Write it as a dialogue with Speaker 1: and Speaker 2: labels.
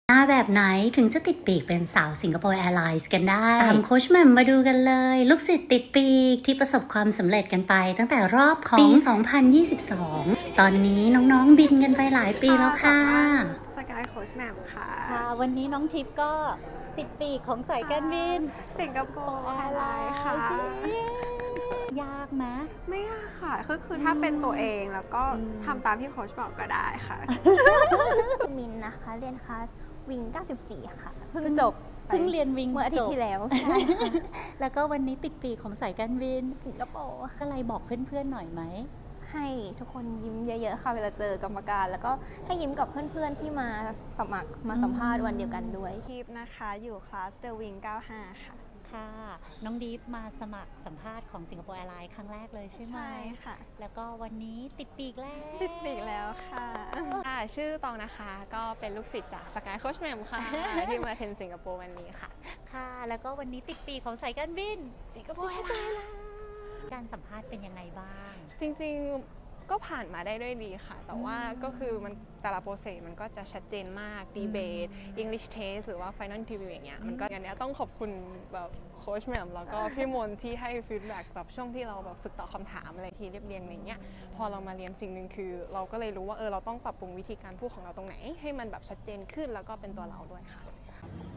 Speaker 1: หน้าแบบไหนถึงจะติดปีกเป็นสาวสิงคโปร์แอร์ไลน์กันได้ตามโค้ชแหม่มมาดูกันเลย ลูกศิษย์ติดปีกที่ประสบความสำเร็จกันไปตั้งแต่รอบของปี 2022 ตอนนี้น้องๆบินกันไปหลายปีแล้วค่ะ
Speaker 2: สกายโค้ชแหม่มค่ะ
Speaker 1: ค่ะ วันนี้น้องทิพย์ก็ติดปีกของสายการบิน
Speaker 2: สิงคโปร์แอร์ไลน์ค่ะ
Speaker 1: ยากไหม
Speaker 2: ไม่ยากค่ะคือถ้าเป็นตัวเองแล้วก็ทำตามที่โค้ชบอกก็ได้ค่ะ
Speaker 3: มินนะคะเรียนคลาสวิง 94 ค่ะ เพิ่งจบไป
Speaker 1: เพิ่งเรียนวิง
Speaker 3: เมื่ออาทิตย์ที่แล้วใช่ค่ะ
Speaker 1: แล้วก็วันนี้ติดปีกของสายการบิน
Speaker 3: สิงคโปร์ค่ะ
Speaker 1: ก็เลยบอกเพื่อนๆหน่อยไหม
Speaker 3: ให้ทุกคนยิ้มเยอะๆค่ะเวลาเจอกรรมการ แล้วก็ให้ยิ้มกับเพื่อนๆที่มาสมัครมาสัมภาษณ์วันเดียวกันด้วย
Speaker 2: ทีปนะคะอยู่คลาส The Wing 95 ค่ะ
Speaker 1: ค่ะน้องดีฟมาสมัครสัมภาษณ์ของสิงคโปร์แอร์ไลน์ครั้งแรกเลยใช่ไหม
Speaker 2: ใช่ค่ะ
Speaker 1: แล้วก็วันนี้ติดปีกแล้ว
Speaker 2: ติดปีกแล้วค่ะ
Speaker 4: ค่ะชื่อตองนะคะก็เป็นลูกศิษย์จากสกายโค้ชแหม่มค่ะ ที่มาเทรนสิงคโปร์วันนี้ค่ะ
Speaker 1: ค่ะ แล้วก็วันนี้ติดปีกของสายการบินสิงคโปร์แอร์ไลน์การสัมภาษณ์เป็นยังไงบ้าง
Speaker 4: จริงๆก็ผ่านมาได้ด้วยดีค่ะ แต่ว่าก็คือมันแต่ละโปรเซสมันก็จะชัดเจนมากดีเบต English Test หรือว่า Final Interview อย่างเงี้ยมันก็อย่างเนี้ยต้องขอบคุณแบบโค้ชแหม่มแล้วก็พี่มนที่ให้ฟีดแบ็กแบบช่วงที่เราแบบฝึกตอบคำถามอะไรที่เรียบเรียงอะไรเงี้ยพอเรามาเรียนสิ่งหนึ่งคือ เราก็เลยรู้ว่าเราต้องปรับปรุงวิธีการพูดของเราตรงไหน ให้มันแบบชัดเจนขึ้นแล้วก็เป็นตัวเราด้วยค่ะ